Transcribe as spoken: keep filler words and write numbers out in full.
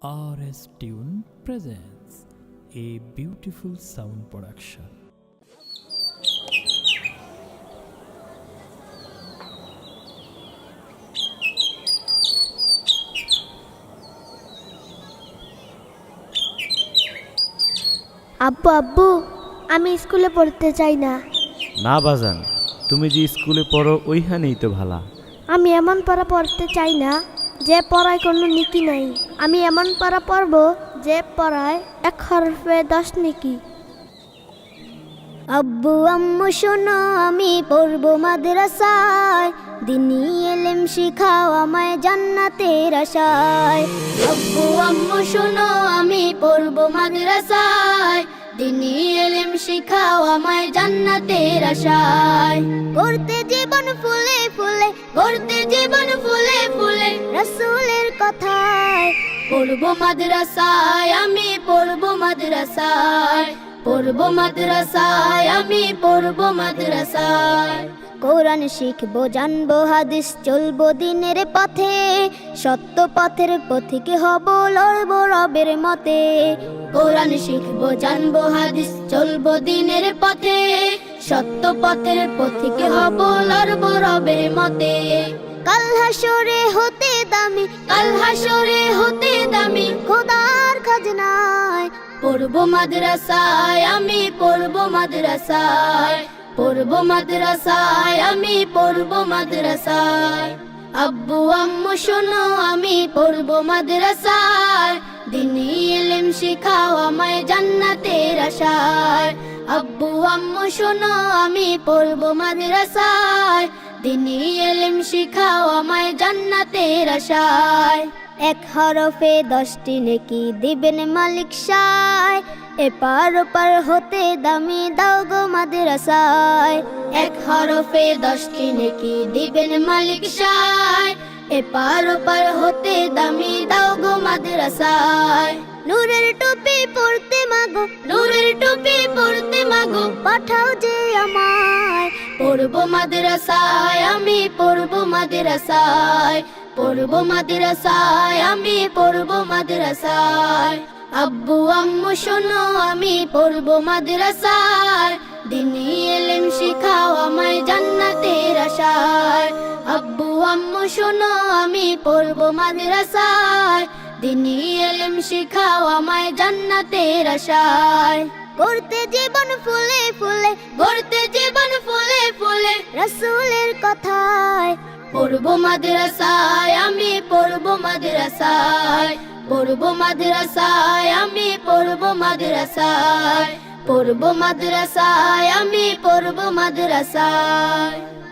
R S Tune presents a beautiful sound production. আব্বু আব্বু আমি স্কুলে পড়তে চাই না। না বাজান, তুমি যে স্কুলে পড়ো ওইখানেই তো ভালা। আমি এমন পড়া পড়তে চাই না যে পড়ায় কোনো নীতি নাই। আমি এমন পড়া পড়ব যে পড়ায় এক হরফে দশ নেকি। আব্বু আম্মু শোনো আমি পড়ব মাদ্রাসায়, দিনী ইলম শিখাও আমায় জান্নাতের আশায়। আব্বু আম্মু শোনো আমি পড়ব মাদ্রাসায়, দিনী ইলম শিখাও আমায় জান্নাতের আশায়। করতে জীবন ফুলে ফুলে, করতে জীবন ফুলে ফুলে রাসূলের কথায়। পড়ব মাদ্রাসায় আমি পড়ব মাদ্রাসায়, পড়ব মাদ্রাসায় আমি পড়ব মাদ্রাসায়। কোরআন শিখবো জানবো হাদিস চলবো দিনের পথে, সত্য পথের পথিক হব লড়বো রবের মতে। কোরআন শিখবো জানবো হাদিস চলবো দিনের পথে, সত্য পথের পথিক হব লড়বো রবের মতে। কাল হাসরে হতে দামি, কাল হাসরে হতে দামি খোদার খাজনায়। পড়ব মাদ্রাসায় আমি পড়ব মাদ্রাসায়, পড়ব মাদ্রাসায় আমি পড়ব মাদ্রাসায়। আব্বু আম্মু শোনো আমি পড়ব মাদ্রাসায়, দিনী ইলম শিখাও আমায় জান্নাতের আশায়। আব্বু আম্মু শোনো আমি পড়ব মাদ্রাসায়, দিনী ইলম শিখাও আমায় জান্নাতের আশায়। এক হরফে দশটি নেকি দিবেন মালিক সায়, এপার ওপার হতে দামি দাও গো মাদ্রাসায়। এক হরফে দশটি নেকি দিবেন মালিক সায়, এপার ওপার হতে দামি দাও গো মাদ্রাসায়। নূরের টুপি পরতে মাগো, নূরের টুপি পরতে মাগো পাঠাও যে আমায়। পড়ব মাদ্রাসায় আমি পড়ব মাদ্রাসায়, পড়ব মাদ্রাসায় আমি পড়ব মাদ্রাসায়। আব্বু আম্মু শোনো আমি পড়ব মাদ্রাসায়, দিনী ইলম শিখাও আমায় জান্নাতের আশায়। আব্বু আম্মু শোনো আমি পড়ব মাদ্রাসায়, দিনী ইলম শিখাও আমায় জান্নাতের আশায়। করতে জীবন ফুলে ফুলে, করতে জীবন ফুলে ফুলে রাসূলের কথায়। পড়ব মাদ্রাসায় আমি পড়ব মাদ্রাসায়, পড়ব মাদ্রাসায় আমি পড়ব মাদ্রাসায়, পড়ব মাদ্রাসায় আমি পড়ব মাদ্রাসায়।